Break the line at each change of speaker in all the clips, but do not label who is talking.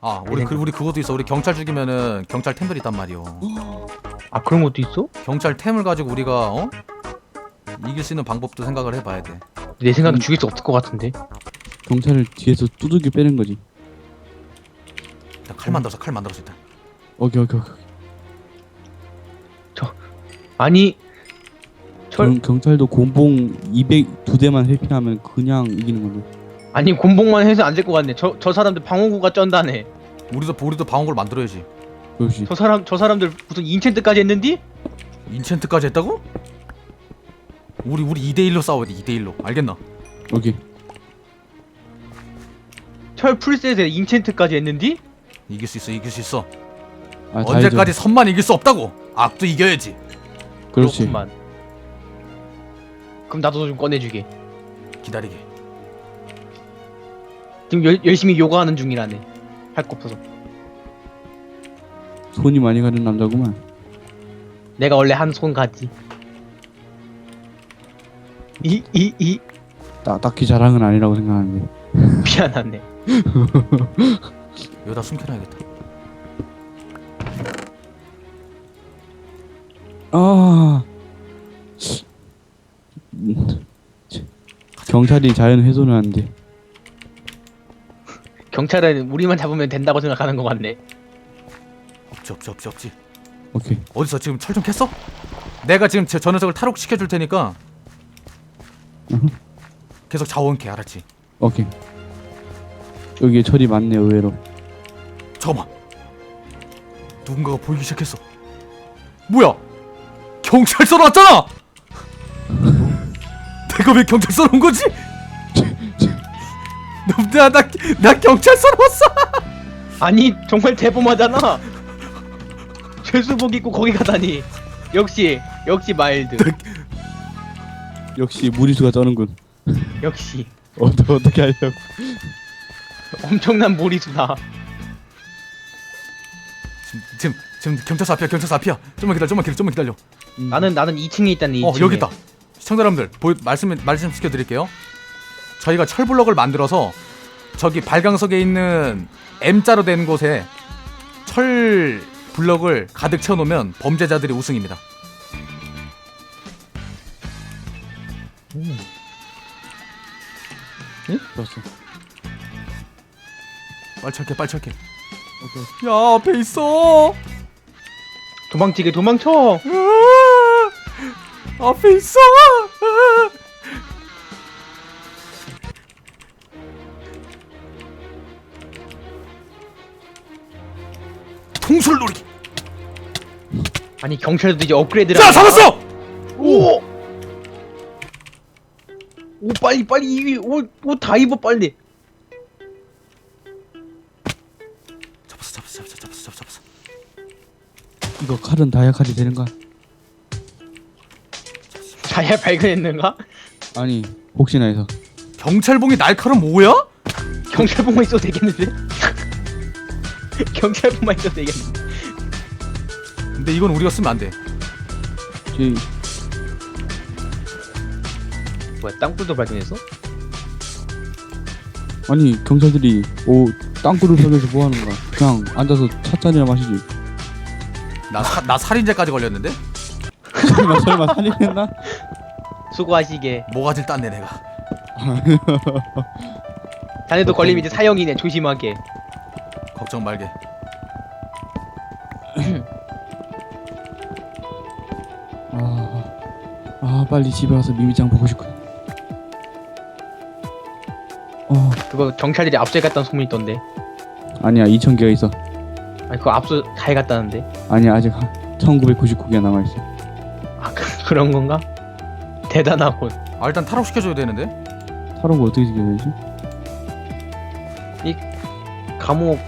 아 우리 그것도 있어. 우리 경찰 죽이면은 경찰 템들이 있단 말이오.
아 그런 것도 있어?
경찰 템을 가지고 우리가 이길 수 있는 방법도 생각을 해봐야 돼.
내 생각엔 죽일 수 없을 것 같은데.
경찰을 뒤에서 두들겨 빼는 거지.
일단 칼 만들어서 일단.
오케이.
아니
경찰도 곤봉 202대만 회피하면 그냥 이기는 건데.
아니 곤봉만 해서 안 될 것 같네. 저 사람들 방어구가 쩐다네.
우리도 방어구를 만들어야지.
그렇지.
저 사람들 무슨 인챈트까지 했는디?
인챈트까지 했다고? 우리 2대1로 싸워야 돼. 2대1로. 알겠나?
오케이.
철 풀셋에 인챈트까지 했는디?
이길 수 있어.
아, 다
언제까지
해줘.
선만 이길 수 없다고. 악도 이겨야지.
그렇지.
그렇구만. 그럼 나도 좀 꺼내주게.
기다리게.
지금 열심히 요가하는 중이라네. 할 거 없어서.
손이 많이 가는 남자구만.
내가 원래 한 손 가지.
딱히 자랑은 아니라고 생각하는데.
미안하네.
여기다 숨겨놔야겠다.
아. 경찰이 자연 훼손을 하는데.
경찰은 우리만 잡으면 된다고 생각하는 것 같네.
없지.
오케이.
어디서 지금 철 좀 캤어? 내가 지금 저 녀석을 탈옥시켜줄 테니까
으흠.
계속 자원 캐. 알았지?
오케이. 여기에 철이 많네 의외로.
잠깐만. 누군가가 보이기 시작했어. 뭐야? 경찰서로 왔잖아. 내가 왜 경찰서로 온 거지? 나 경찰서로 왔어.
아니 정말 대범하잖아. 죄수복 입고 거기 가다니. 역시 마일드.
역시 무리수가 쩌는군.
역시
어떻게 하려고?
엄청난 무리수다.
지금 경찰서 앞이야. 좀만 기다려.
나는 2층에 있다는 2층에.
여기 있다. 시청자 여러분들 말씀시켜 드릴게요. 저희가 철블럭을 만들어서 저기 발광석에 있는 M자로 된 곳에 철 블럭을 가득 채워놓으면 범죄자들이 우승입니다.
응? 좋았어.
빨리 철게.
오케이.
야, 앞에 있어.
도망치게 도망쳐.
앞에 있어. 통솔놀이.
아니 경찰도 이제 업그레이드를.
자, 잡았어.
오 빨리 옷 다 입어 빨리.
잡았어.
이거 칼은 다이아 칼이 되는가?
자야 발견했는가?
아니 혹시나 해서.
경찰봉이 날카로운 뭐야?
경찰복만 있어도 되겠는데? 경찰복만 있어도 되겠는데?
근데 이건 우리가 쓰면 안 돼.
제
뭐야 땅굴도 발견했어?
아니 경찰들이 땅굴을 설계해서 뭐 하는 거야? 그냥 앉아서 찻잔이나 마시지.
나 살인죄까지 걸렸는데?
설마 살인했나?
수고하시게.
모가지를 땄네 내가.
자네도 걸리면 이제 사형이네. 조심하게.
걱정 말게.
빨리 집에 와서 미미짱 보고 싶군.
그거 경찰들이 압수해 갔다는 소문이 있던데.
아니야 2,000개가 있어.
아니 그거 압수 다 해갔다는데.
아니야 아직 1999개가 남아있어.
아 그런 건가? 대단하군.
일단 탈옥시켜줘야 되는데.
타로가 어떻게 지켜야 되지?
감옥.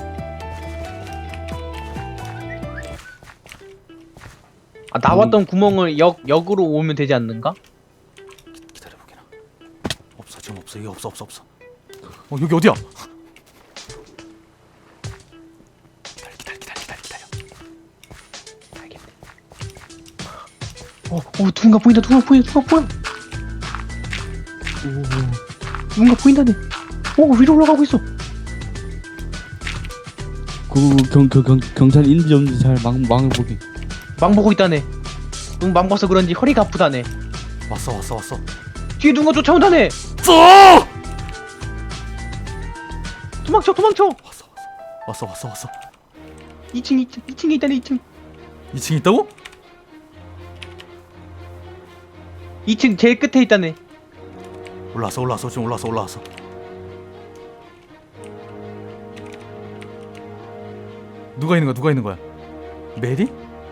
나왔던 구멍을 역으로 오면 되지 않는가?
기다려보게나. 없어 지금 없어. 이게 없어. 여기 어디야? 기다려.
알겠네. 누군가 보인다. 누군가 보인다네. 위로 올라가고 있어.
경찰 있는지 없는지 잘 망을 보게.
망 보고 있다네. 너무 망 봐서 그런지 허리가 아프다네.
왔어.
뒤에 누가 쫓아온다네.
쏘!
도망쳐.
왔어.
2층에 있다네. 2층.
2층 있다고?
2층 제일 끝에 있다네.
올라왔어. 지금 올라왔어. 누가 있는 거야? 메리?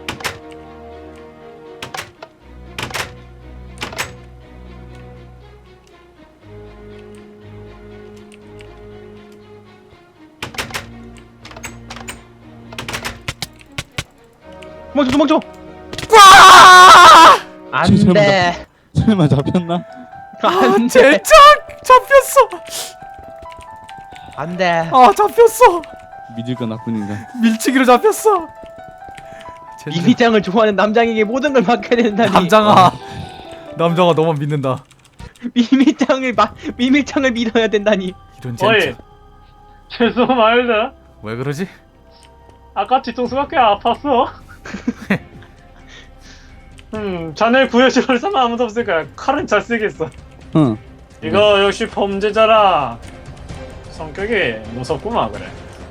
도망쳐. 안돼.
설마 잡혔나?
안돼.
젠장! 잡혔어!
안돼.
잡혔어!
믿을 건 나쁜 인간.
밀치기로 잡혔어! 젠장.
미미짱을 좋아하는 남장에게 모든 걸 맡겨야 된다니.
남장아 너만 믿는다.
미미짱을 믿어야 된다니.
이런
어이,
젠장.
죄송합니다.
왜 그러지?
아까 뒤통수가 꽤 아팠어. 자네 구해줄 사람 아무도 없으니까 칼은 잘 쓰겠어.
응.
이거 역시 범죄자라 성격이 무섭구만 그래.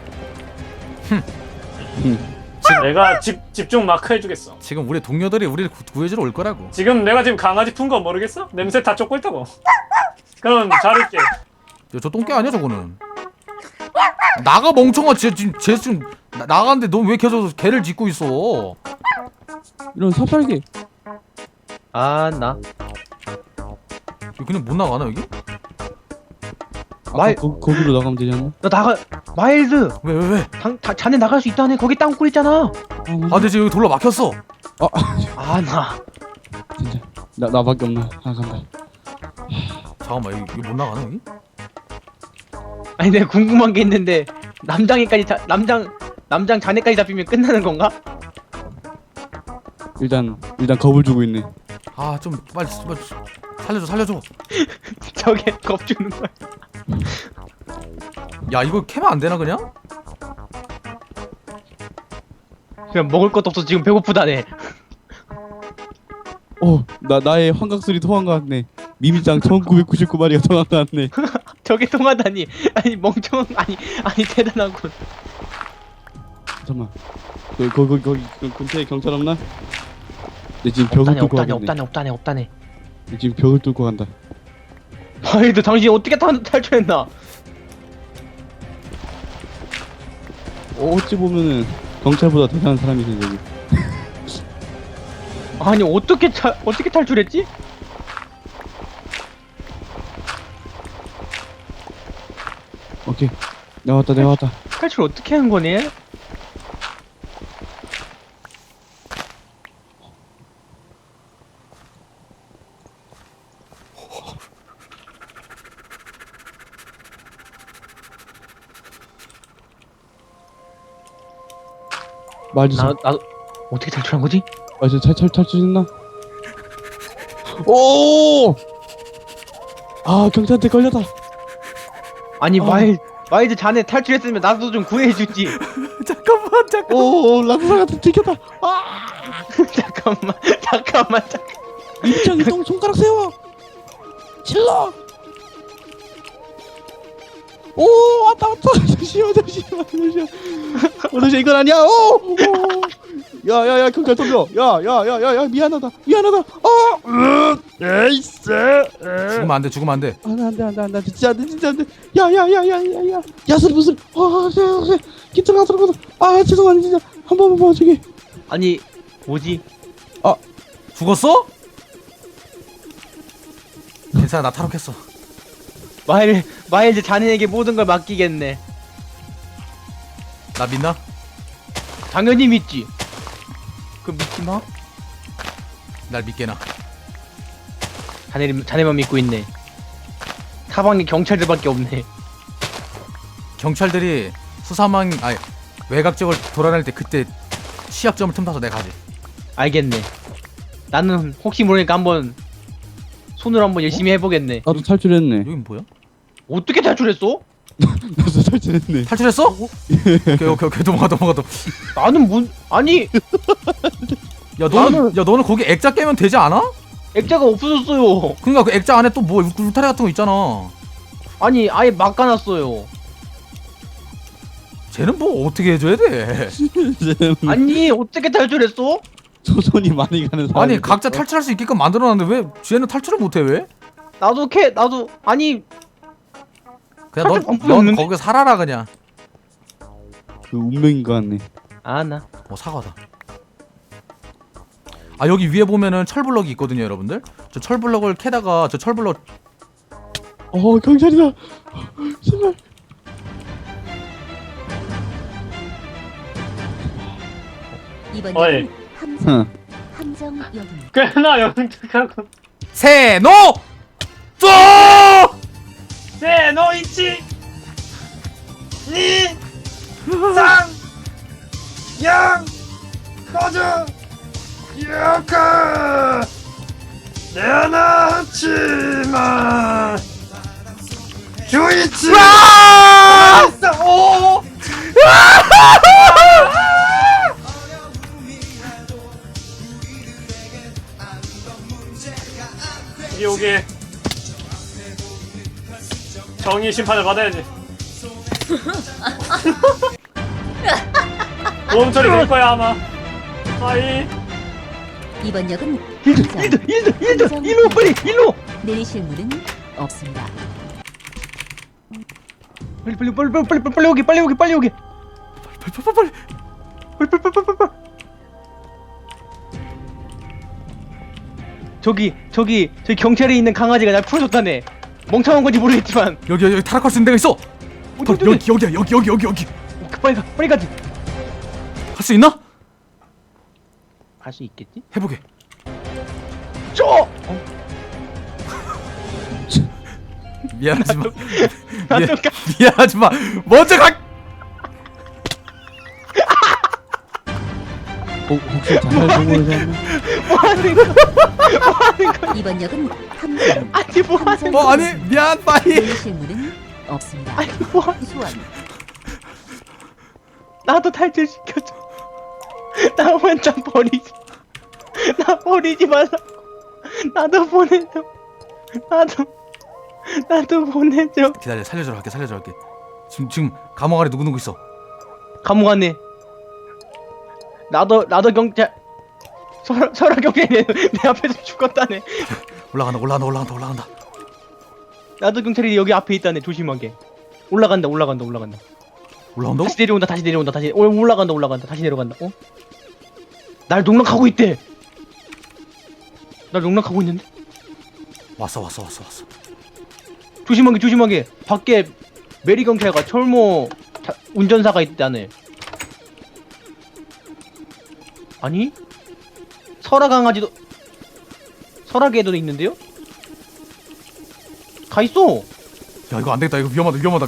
내가 집중 마크 해주겠어.
지금 우리 동료들이 우리를 구해주러 올 거라고.
지금 내가 강아지 푼 거 모르겠어? 냄새 다 쫓고 있다고. 그럼 자를게.
야, 저 똥개 아니야 저거는. 나가 멍청아. 쟤 지금 나가는데 너 왜 계속 개를 짖고 있어?
이런 사팔개.
나
이거 그냥 못 나가나 여기?
아까 거기로 나가면 되지 않나?
나가. 마일드.
왜?
자네 나갈 수 있다네. 거기 땅굴 있잖아.
근데 지금 여기 돌로 막혔어.
나
진짜 나밖에 없나? 간다.
잠깐만 이거 못 나가나 여기?
아니 내가 궁금한 게 있는데 남장 자네까지 잡히면 끝나는 건가?
일단 겁을 주고 있네.
좀 빨리 살려줘.
저게 겁 주는 거야.
야 이거 캐면 안 되나 그냥?
그냥 먹을 것도 없어. 지금 배고프다네.
나의 환각술이 통한 것 같네. 미미짱 1999마리가 통한 것 같네.
저게 통하다니. 아니 멍청한. 아니 대단하군.
잠깐만. 거기 근처에 경찰 없나? 내 지금 벽을 뚫고 가겠네.
없다네.
내 지금 벽을 뚫고 간다.
마일드 당신이 어떻게 탈출했나?
어찌 보면은 경찰보다 대단한 사람이지 저기.
아니 어떻게 탈출했지?
오케이. 내가 왔다.
탈출 어떻게 한 거니?
말주세요.
나도 어떻게 탈출한 거지?
맞아, 탈출했나? 오! 경찰한테 걸렸다.
아니 마일드 자네 탈출했으면 나도 좀 구해주지.
잠깐만.
오, 락사가 들켰다.
잠깐만.
입장 이동 손가락 세워. 질러. 오, 왔다. 잠시만. 이건 아니야. 오. 야, 경찰 덤벼. 야, 미안하다. 에이스.
죽으면 안 돼.
안 돼. 진짜 안 돼. 야. 야슬 무슨. 기트가 들어가서. 죄송합니다. 진짜. 한 번만 봐주게.
아니 뭐지?
죽었어? 괜찮아 나 탈옥했어.
마일드 자네에게 모든 걸 맡기겠네.
나 믿나?
당연히 믿지. 믿지 마.
날 믿게나.
자네만 믿고 있네. 사방에 경찰들밖에 없네.
경찰들이 외곽 지역을 돌아다닐 때 그때 시약점을 틈타서 내가 가지.
알겠네. 나는 혹시 모르니까 한번 손으로 한번 열심히 해보겠네.
나도 탈출했네.
여긴 뭐야?
어떻게 탈출했어?
나도 탈출했네.
탈출했어? 오케이 도망가.
나는 아니
너는 거기 액자 깨면 되지 않아?
액자가 없어졌어요.
그러니까 그 액자 안에 또 뭐 울타리 같은 거 있잖아.
아니 아예 막아놨어요.
쟤는 뭐 어떻게 해줘야 돼?
아니 어떻게 탈출했어?
조선이 많이 가는 사람.
아니 각자 탈출할 수 있게끔 만들어놨는데 왜 쟤는 탈출을 못해 왜?
나도 아니
그냥
탈출 방법이
넌
없는데?
거기서 살아라 그냥.
그 운명인 것 같네.
나
사과다. 아 여기 위에 보면은 철블럭이 있거든요 여러분들. 저 철블럭을 캐다가 저 철블럭
경찰이다. 제발.
이번
어이.
역은
응.
함정역입니다.
꽤나 영특하고.
세노 쏘
네, 너 있지? 니, 상, 양, 꺼져, 여카, 내나치마, 주이치, 있어, 오, 오게 정의 심판을 받아야지. 보험 처리 될 거야 아마. 아이.
이번 역은
일로 빨리 일로
내리실 문은 없습니다.
빨리 오게
빨리
저기 경찰에 있는 강아지가 날 풀어줬다네. 멍청한 건지 모르겠지만
여기 타락할 수 있는 데가 있어. 여기
빨리 가지.
할 수 있나?
갈 수 있겠지?
해보게. 미안하지만 미안하지만 먼저 가.
혹시 자살 공모를 했나?
이번 역은 함정.
아니 뭐하는
아니 미안 빠이.
내리실 문은 없습니다.
아니 뭐
소환.
나도 탈출시켜줘. 나 혼자 나 버리지 말라고. 나도 보내줘. 나도 보내줘.
기다려 살려주러 갈게. 지금 감옥 안에 누구 있어?
감옥 안에 나도 경찰 설아 경찰이 내 앞에서 죽었다네.
올라간다.
나도 경찰이 여기 앞에 있다네. 조심하게. 올라간다.
올라온다고?
다시 내려온다. 올라간다. 다시 내려간다. 날 농락하고 있대. 날 농락하고 있는데?
왔어.
조심하게. 밖에 메리 경찰과 철모 운전사가 있다네. 아니? 설아개도 있는데요? 가 있어.
야 이거 안 되겠다. 이거 위험하다.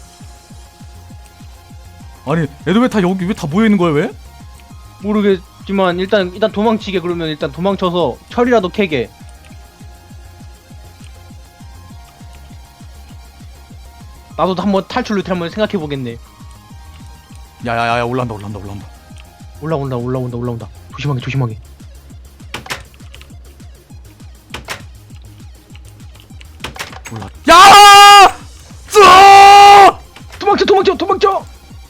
아니 애들 왜 다 모여 있는 거야 왜?
모르겠지만 일단 도망치게. 그러면 일단 도망쳐서 철이라도 캐게. 나도 한번 탈출 루트 한번 생각해 보겠네.
야야야 올라온다.
올라온다. 조심하게.
야!
도망쳐.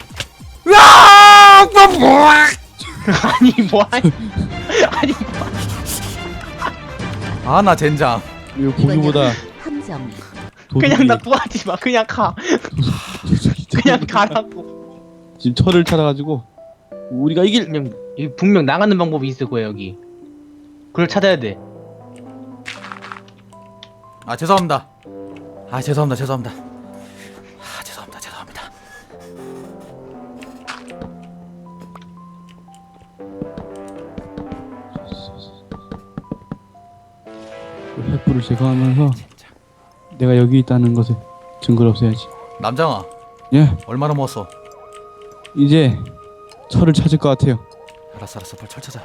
야!
아니 뭐하니?
아나 젠장.
이거
이번
보기보다
역은 함정.
그냥 나 구하지 마. 그냥 가. 그냥 가라고.
지금 철을 찾아가지고 우리가 이길.
그냥 여기 분명 나가는 방법이 있을 거야 여기. 그걸 찾아야 돼.
아 죄송합니다. 죄송합니다.
횃불을 제거하면서 내가 여기 있다는 것을 증거를 없애야지.
남장아
예,
얼마나 모았어?
이제 철을 찾을 것 같아요.
알았어 빨리 철 찾아.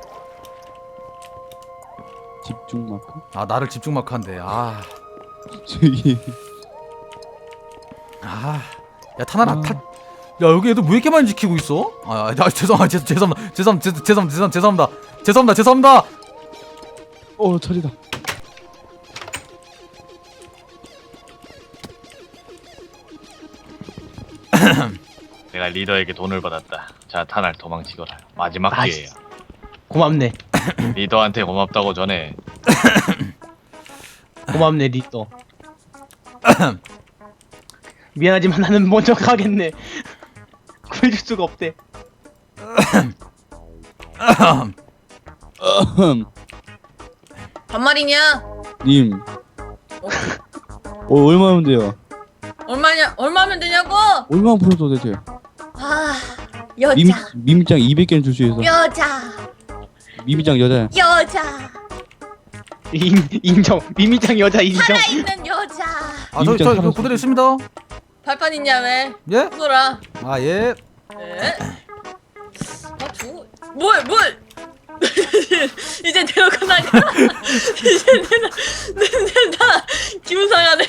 집중 마크.
아 나를 집중 마크한대.
저기
야 타나라 야 여기 애들 왜 이렇게 많이 지키고 있어? 죄송합니다.
처리다.
내가 리더에게 돈을 받았다. 자, 타날 도망치거라. 마지막
아,
기회야.
고맙네.
리더한테 고맙다고 전해.
고맙네 리더. 미안하지만 나는 먼저 가겠네. 구해줄 수가 없대.
반말이냐?
님. 얼마면 돼요?
얼마면 되냐고?
얼마 풀어도 되죠?
아, 여자,
미미짱 200개는 줄 수 있어.
여자,
미미짱 여자야.
여자,
인정. 미미짱 여자 인정.
살아있는 여자.
저 그대로 있습니다.
발판 있냐 왜?
예?
웃어라.
예.
네. 뭘? 이제 데려가 나가. 이제 나 기분 상하네.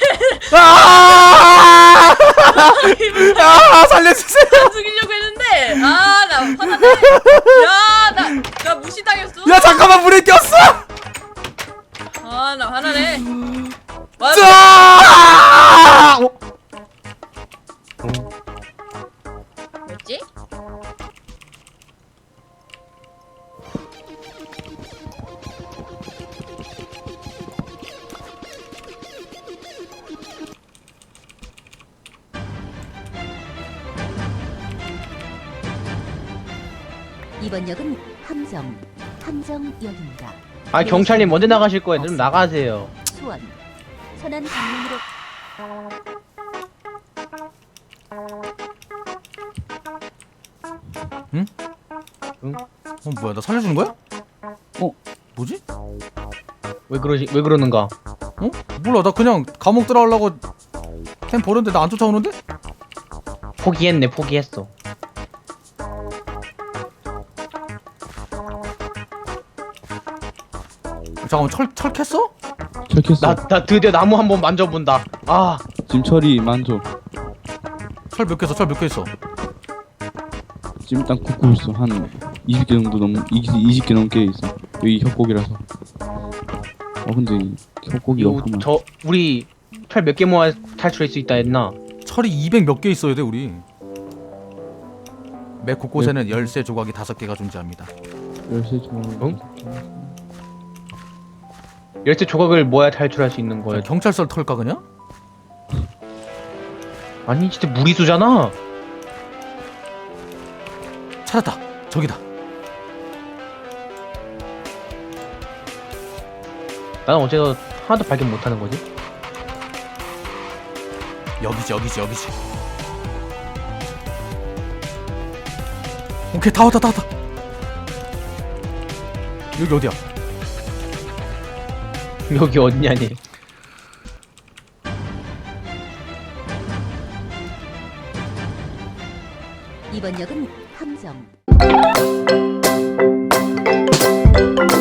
살려주세요.
죽이려고 했는데, 나 화나네. 나 무시당했어.
야 잠깐만 물에 꼈어.
나 화나네. 뭐지?
이번 역은 함정역입니다.
경찰님 먼저 나가실 거예요. 좀 나가세요.
수원 천안 방면으로
뭐야 나 살려주는 거야? 뭐지?
왜 그러는가?
몰라 나 그냥 감옥 들어가려고 템 버렸는데 나 안 쫓아오는데?
포기했어.
잠깐만 철 캤어?
철켰어.
나 드디어 나무 한번 만져본다.
지금 철이 만져.
철 몇 개 있어?
지금 일단 굽고 있어. 한 20개 정도 20개 넘게 있어. 여기 협곡이라서. 근데 협곡이 없구만.
우리 철 몇 개 모아 탈출할 수 있다 했나?
철이 200 몇 개 있어야 돼 우리. 매 곳곳에는 열쇠 조각이 5개가 존재합니다.
열쇠 좀.
열쇠 조각을 모아야 탈출할 수 있는 거야.
경찰서 털까 그냥?
아니 진짜 무리수잖아.
찾았다. 저기다.
나는 어째서 하나도 발견 못하는 거지?
여기지. 오케이 다 왔다. 여기 어디야?
여기 어디냐니?
이번 역은 함정